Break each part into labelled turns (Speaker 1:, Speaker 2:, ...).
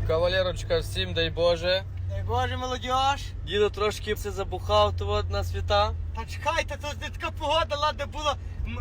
Speaker 1: Кавалерочка, всім дай Боже.
Speaker 2: Дай Боже, молодіж.
Speaker 1: Дідо трошки все забухав тут на свята.
Speaker 2: Та чекайте, то не така погода, ладно було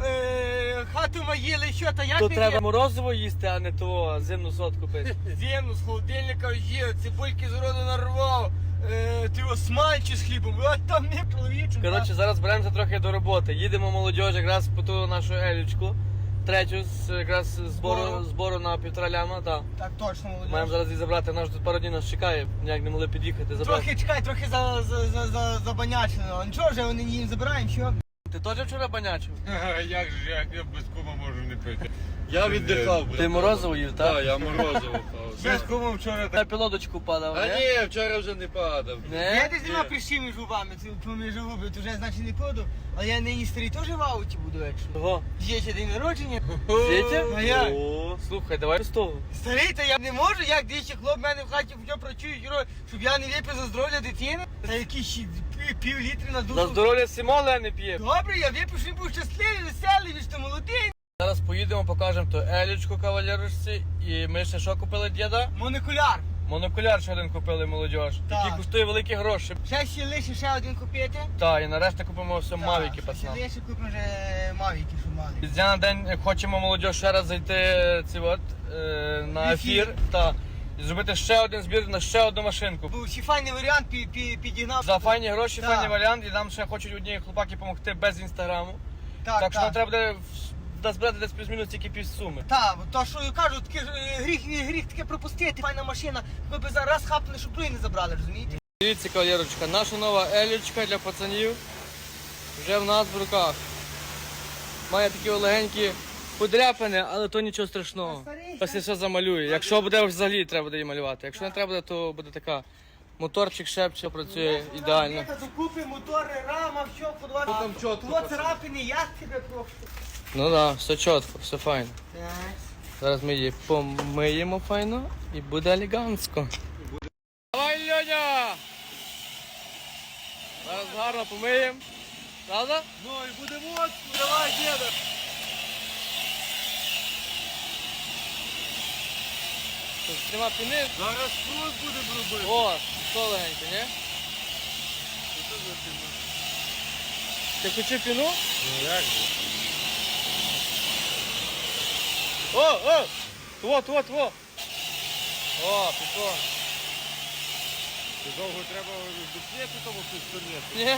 Speaker 2: хату маїли, що, та як
Speaker 1: То
Speaker 2: не
Speaker 1: треба
Speaker 2: є?
Speaker 1: морозиво їсти, а не того зимну сотку пити.
Speaker 2: Зімну з холодильника їв, цибульки з роду нарвав, ти осмальчі з хлібом, а там не чоловіче.
Speaker 1: Коротше, зараз беремося трохи до роботи. Їдемо молодіж якраз по ту нашу Елічку. Третю якраз збору на 1,5 ляма.
Speaker 2: Так точно, молодіж.
Speaker 1: Маємо зараз її забрати, наш тут пару днів нас чекає, ніяк не могли під'їхати забрати.
Speaker 2: Трохи чекай, трохи забанячено. Нічого вже вони їм забираємо, що?
Speaker 1: Ти теж вчора банячив?
Speaker 3: Як же я без кума можу не пити? Я віддихав, брат.
Speaker 1: Ти морозиво їв, так?
Speaker 3: Так, я морозиво пав. Без кума вчора так.
Speaker 1: На пілодочку падав,
Speaker 3: А
Speaker 1: не?
Speaker 3: ні, вчора вже не падав.
Speaker 2: Я
Speaker 1: Не?
Speaker 2: десь нема прищі між губами, це поміж губи, то вже значить не поду. Але я нині старий теж в ауті буду, якщо.
Speaker 1: Ого.
Speaker 2: Є ще день народження.
Speaker 1: Світя?
Speaker 2: А як?
Speaker 1: О, слухай, давай з того.
Speaker 2: Старий, то я не можу, як двічі хлоп в мене в хаті вже працюють, щоб я не випив за здоров'я дитини. Та якісь ще пів літри на душу.
Speaker 1: За здоров'я Сімола не п'є.
Speaker 2: Добре, я випив, щоб він був щасливий, веселий, він ж то молодий.
Speaker 1: Зараз поїдемо, покажемо ту Елічку кавалерочці. І ми ще що купили діда?
Speaker 2: Монокуляр.
Speaker 1: Монокуляр ще один купили молодіж.
Speaker 2: Так.
Speaker 1: Який коштує великі гроші.
Speaker 2: Ще лише ще один купити.
Speaker 1: Так, і нарешті купимо все мавіки,
Speaker 2: Ще
Speaker 1: пацанам.
Speaker 2: лише купимо вже мавіки, що мали.
Speaker 1: З дня на день хочемо молодіж ще раз зайти на ефір. Та, і зробити ще один збір на ще одну машинку.
Speaker 2: Був ще файний варіант, підігнав.
Speaker 1: За файні гроші,
Speaker 2: Так.
Speaker 1: файний варіант, і нам ще хочуть одні хлопаки допомогти без інстаграму.
Speaker 2: Так,
Speaker 1: Так що нам треба буде збирати десь плюс-мінус тільки півсуми.
Speaker 2: Так, то що я кажу, таке гріх таке пропустити, файна машина. Ми б зараз хапнули, щоб другий не забрали, розумієте?
Speaker 1: Дивіться, кавалерочка, наша нова Елічка для пацанів вже в нас в руках. Має такі легенькі подряпини, але то нічого страшного.
Speaker 2: Старий,
Speaker 1: Після все замалює. Якщо буде взагалі, треба буде її малювати. Якщо не треба буде, то буде така. Моторчик шепче, працює ідеально.
Speaker 2: Їхати докупи, мотори, рама, все, подвати.
Speaker 3: там чітко,
Speaker 2: Того
Speaker 3: пацан.
Speaker 2: царапини, я тебе прошу.
Speaker 1: Ну так, да, все чітко, все файно.
Speaker 2: Так.
Speaker 1: Зараз ми її помиємо файно і буде елегантсько. Давай, Льоня! Зараз гарно помиємо. Правда?
Speaker 3: Ну і буде моцно, давай, діда.
Speaker 1: Тут нема піни.
Speaker 3: Зараз фрут буде робити.
Speaker 1: О, що легенько, ні? Ти хотів піну?
Speaker 3: Ну як же?
Speaker 1: О! Тво! О, пішло.
Speaker 3: Ти довго треба доп'єти тому пістолету?
Speaker 1: Ні?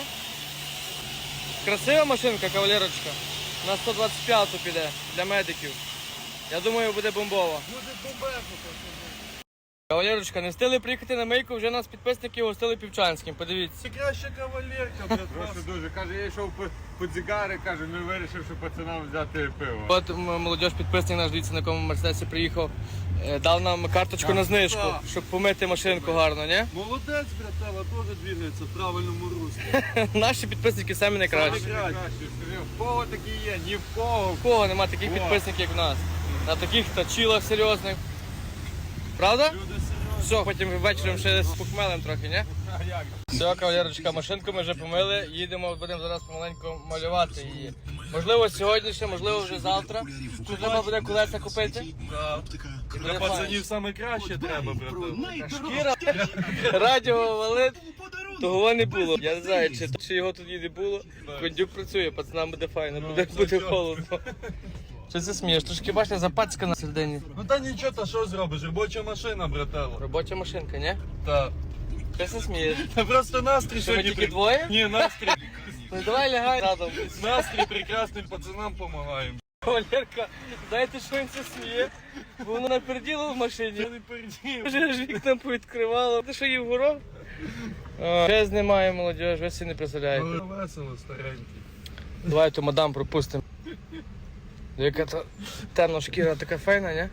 Speaker 1: Красива машинка, кавалерочка. На 125-ту піде для медиків. Я думаю, буде бомбова.
Speaker 3: Буде бомбезно, пацани.
Speaker 1: Кавалерочка, не встигли приїхати на мийку, вже нас підписники гостили Півчанським. Подивіться.
Speaker 3: Це краща кавалерка, брат. Просто дуже. Каже, я йшов по дзигари, каже, ну вирішив, що пацанам взяти пиво.
Speaker 1: От молодіж підписник наш, дивіться, на якому мерседесі приїхав. Дав нам карточку
Speaker 3: Так,
Speaker 1: на знижку,
Speaker 3: так.
Speaker 1: щоб помити машинку гарно, ні?
Speaker 3: Молодець, братела, теж двигається в правильному руслі.
Speaker 1: Наші підписники самі найкращі.
Speaker 3: Найкраще. Скажи, в кого такі є? Ні в кого.
Speaker 1: У кого нема таких
Speaker 3: О.
Speaker 1: підписників, як в нас. На таких точилах серйозних. Правда?
Speaker 3: Люди серйозні.
Speaker 1: Все, потім вечором ще з похмелем трохи, ні?
Speaker 3: А як?
Speaker 1: Все, кавалерочка, машинку ми вже помили, їдемо, будемо зараз помаленьку малювати її. Можливо сьогодні ще, можливо вже завтра. Тут треба буде колеса купити.
Speaker 3: Для пацанів саме краще треба, братан.
Speaker 1: Шкіра, радіо валить, того не було. Я не знаю, чи його тоді не було. Кондюк працює, пацанам буде файно, буде холодно. Що це смієш? Трошки бачите, запацька на середині.
Speaker 3: Ну та нічого, та що зробиш? Робоча машина, братела.
Speaker 1: Робоча машинка, ні?
Speaker 3: Так.
Speaker 1: Ти не смієш.
Speaker 3: Та просто настрій
Speaker 1: Що, ми
Speaker 3: сьогодні.
Speaker 1: тільки двоє?
Speaker 3: Ні, настрій.
Speaker 1: Ну давай лягай разом.
Speaker 3: Настрій прекрасним пацанам допомагаємо.
Speaker 1: Валерка, знаєте, що він це сміє? Бо воно наперділо в машині.
Speaker 3: Я не передів.
Speaker 1: Вже ж вікна повідкривало. Ти що їв горох? Ще знімає молодіж, ви всі не представляєте.
Speaker 3: Весело, старенький.
Speaker 1: Давай ту мадам пропустимо. Яка то темна шкіра така файна, ні?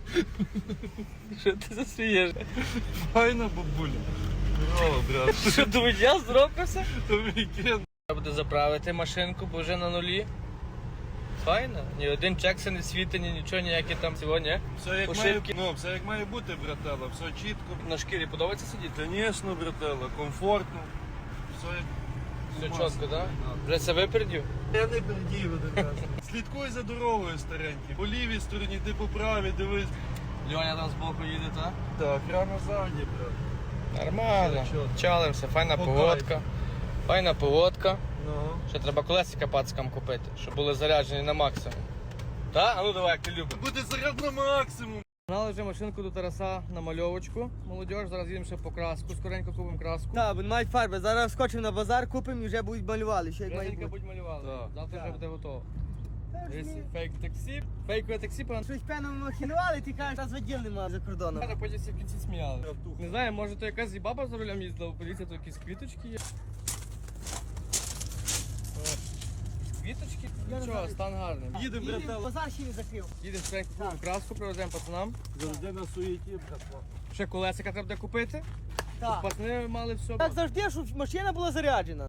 Speaker 1: Що ти засмієш?
Speaker 3: Файна бабуля. Здорово, брат.
Speaker 1: Що думаєш, я зробився?
Speaker 3: То вікенд.
Speaker 1: Треба буде заправити машинку, бо вже на нулі. Файно. Ні один чекси не світить, ні нічого, ніякі там цього, ні?
Speaker 3: Все як
Speaker 1: Пошивки.
Speaker 3: має, ну, все як має бути, братела. Все чітко.
Speaker 1: На шкірі подобається сидіти?
Speaker 3: Звісно, братела, комфортно. Все як
Speaker 1: Все
Speaker 3: масло.
Speaker 1: чітко, так? Вже це випередів?
Speaker 3: Я не передів один раз. Слідкуй за дорогою, старенький. По лівій стороні, ти по правій, дивись.
Speaker 1: Льоня там збоку їде, так?
Speaker 4: Так, рано ззаді, брат.
Speaker 1: Нормально.
Speaker 4: Чітко.
Speaker 1: Чалимося, файна
Speaker 4: По
Speaker 1: погодка.
Speaker 4: кайфу.
Speaker 1: Файна погодка.
Speaker 4: Ну.
Speaker 1: Ще треба колесика пацкам купити, щоб були заряджені на максимум. Так? А ну давай, як ти любиш.
Speaker 4: Буде заряд на максимум.
Speaker 1: Гнали вже машинку до Тараса на мальовочку. Молодіж, зараз їдемо ще по краску, скоренько купимо краску.
Speaker 2: Так, бо не мають фарби. Зараз скочимо на базар, купимо і вже будуть малювали. Ще як має
Speaker 1: Женька
Speaker 2: бути.
Speaker 1: будь малювали.
Speaker 4: Так.
Speaker 1: Завтра
Speaker 2: Так.
Speaker 1: вже буде готово.
Speaker 2: Та ж
Speaker 1: Дивись,
Speaker 2: ні.
Speaker 1: фейк таксі. Фейкове таксі, пан.
Speaker 2: Щось певно махінували, ти кажеш, нас відділ нема за кордоном.
Speaker 1: Каже, потім всі в кінці сміяли. Не знаю, може то якась і баба за рулем їздила, поліція, то якісь квіточки є. Квіточки?
Speaker 2: Я не
Speaker 1: Нічого,
Speaker 2: знаю.
Speaker 1: стан гарний.
Speaker 4: Їдемо,
Speaker 2: Їдемо,
Speaker 4: братан.
Speaker 2: базар ще не закрив.
Speaker 1: Їдемо скоренько купимо краску, привеземо пацанам.
Speaker 4: Завжди на суєті, братва.
Speaker 1: Ще колесика треба буде купити.
Speaker 2: Так.
Speaker 1: Пацани мали все.
Speaker 2: Так завжди, щоб машина була заряджена.